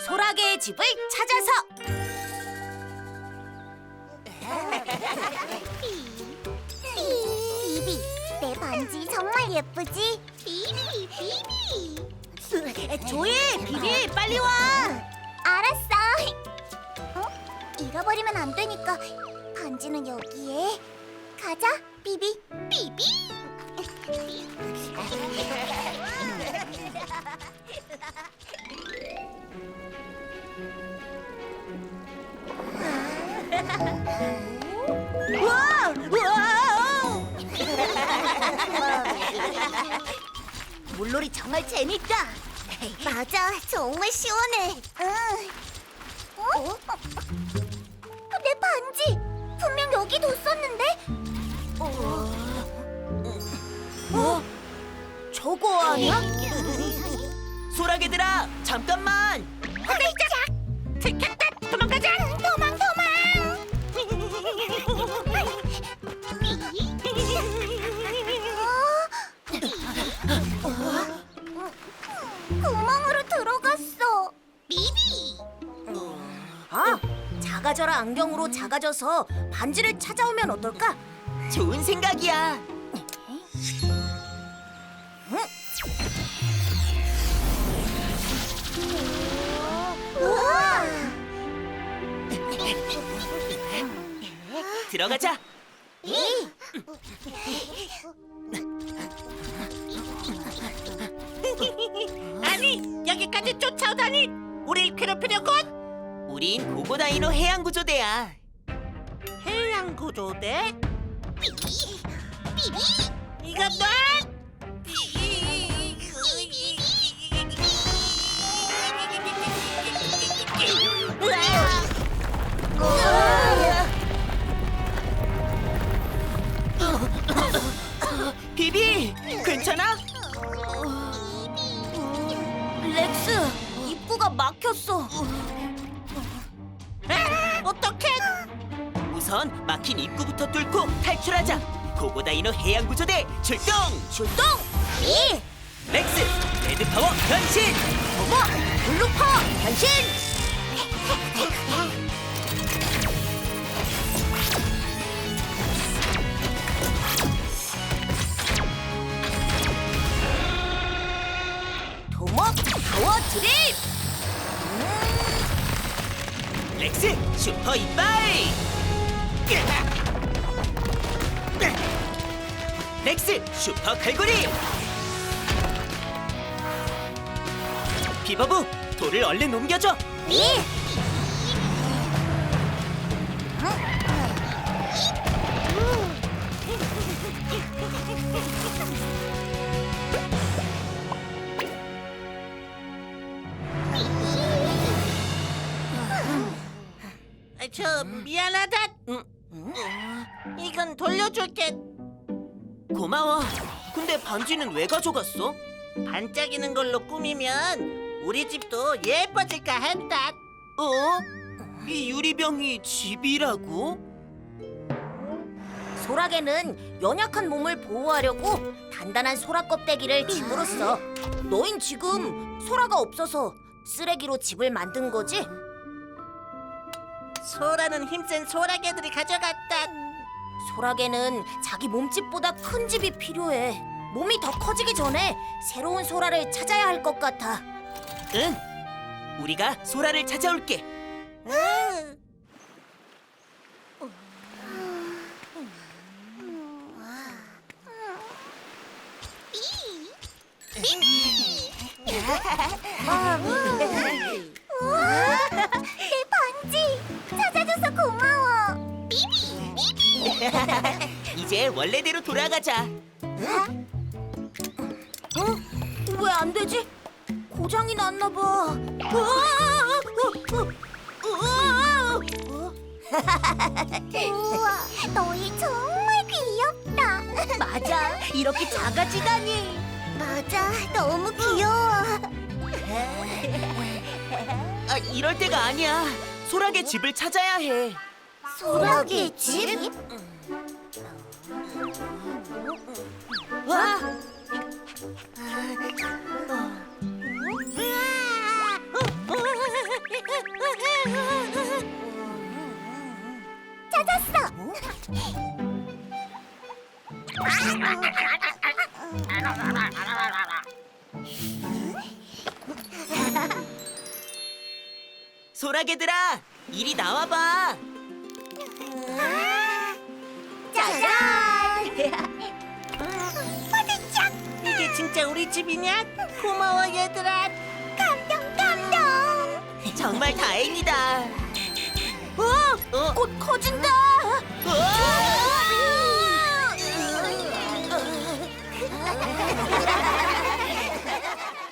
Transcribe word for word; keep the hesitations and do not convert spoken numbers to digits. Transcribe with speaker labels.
Speaker 1: 소라게의 집을 찾아서.
Speaker 2: 비비, 내 반지 정말 예쁘지? 비비, 비비.
Speaker 1: 조이, 비비, 빨리 와.
Speaker 2: 알았어. 어? 잃어버리면 안 되니까 반지는 여기에. 가자, 비비. 비비.
Speaker 1: 우와, 우와. 물놀이 정말 재밌다.
Speaker 2: 맞아, 정말 시원해. 응. 어? 어? 내 반지 분명 여기 뒀었는데.
Speaker 1: 어? 저거 아니야?
Speaker 3: 소라게들아, 잠깐만.
Speaker 2: 깜짝! 들켰다! 도망가자! 도망, 도망! 어? 구멍으로 들어갔어. 비비!
Speaker 1: 아, 작아져라 안경으로 작아져서 반지를 찾아오면 어떨까?
Speaker 3: 좋은 생각이야.
Speaker 2: 우와!
Speaker 3: 들어가자.
Speaker 4: 아니, 여기까지 쫓아오다니! 우릴 괴롭히려군!
Speaker 3: 우린 고고다이노 해양구조대야.
Speaker 4: 해양구조대?
Speaker 2: 비비!
Speaker 4: 이건 넌!
Speaker 3: 비비, 괜찮아?
Speaker 1: 렉스, 입구가 막혔어.
Speaker 4: 어떡해!
Speaker 3: 우선 막힌 입구부터 뚫고 탈출하자. 고고다이노 해양구조대 출동!
Speaker 1: 출동! 이,
Speaker 3: 렉스, 레드파워 변신!
Speaker 1: 어머, 블루퍼 변신! 도모 파워 드립!
Speaker 3: 렉스, 슈퍼 이빨! 렉스, 슈퍼 갈고리! 비버부, 돌을 얼른 옮겨줘!
Speaker 1: 이,
Speaker 4: 아, 저 미안하다. 이건 돌려줄게.
Speaker 3: 고마워. 근데 반지는 왜 가져갔어?
Speaker 4: 반짝이는 걸로 꾸미면 우리 집도 예뻐질까 했다.
Speaker 3: 어? 이 유리병이 집이라고?
Speaker 1: 소라게는 연약한 몸을 보호하려고 단단한 소라 껍데기를 집으로 써. 너흰 지금 소라가 없어서 쓰레기로 집을 만든 거지?
Speaker 4: 소라는 힘센 소라개들이 가져갔다.
Speaker 1: 소라게는 자기 몸집보다 큰 집이 필요해. 몸이 더 커지기 전에 새로운 소라를 찾아야 할 것 같아.
Speaker 3: 응. 우리가 소라를 찾아올게.
Speaker 4: 응.
Speaker 2: 우와! 내 반지! 찾아줘서 고마워! 비비! 비비!
Speaker 3: 이제 원래대로 돌아가자.
Speaker 1: 어? 왜 안 되지? 고장이 났나 봐.
Speaker 2: 우와! 너희 정말 귀엽다!
Speaker 1: 맞아, 이렇게 작아지다니.
Speaker 2: 맞아, 너무 귀여워!
Speaker 3: 아, 이럴 때가 아니야. 소라게 집을 찾아야 해.
Speaker 2: 소라게 집?
Speaker 1: 와,
Speaker 3: 소라게들아, 이리 나와봐.
Speaker 2: 짜잔! 화들짝!
Speaker 4: 이게 진짜 우리 집이냐? 고마워 얘들아.
Speaker 2: 감동 감동!
Speaker 3: 정말 다행이다.
Speaker 1: 어?
Speaker 3: 어?
Speaker 1: 꽃 커진다.
Speaker 3: 우와!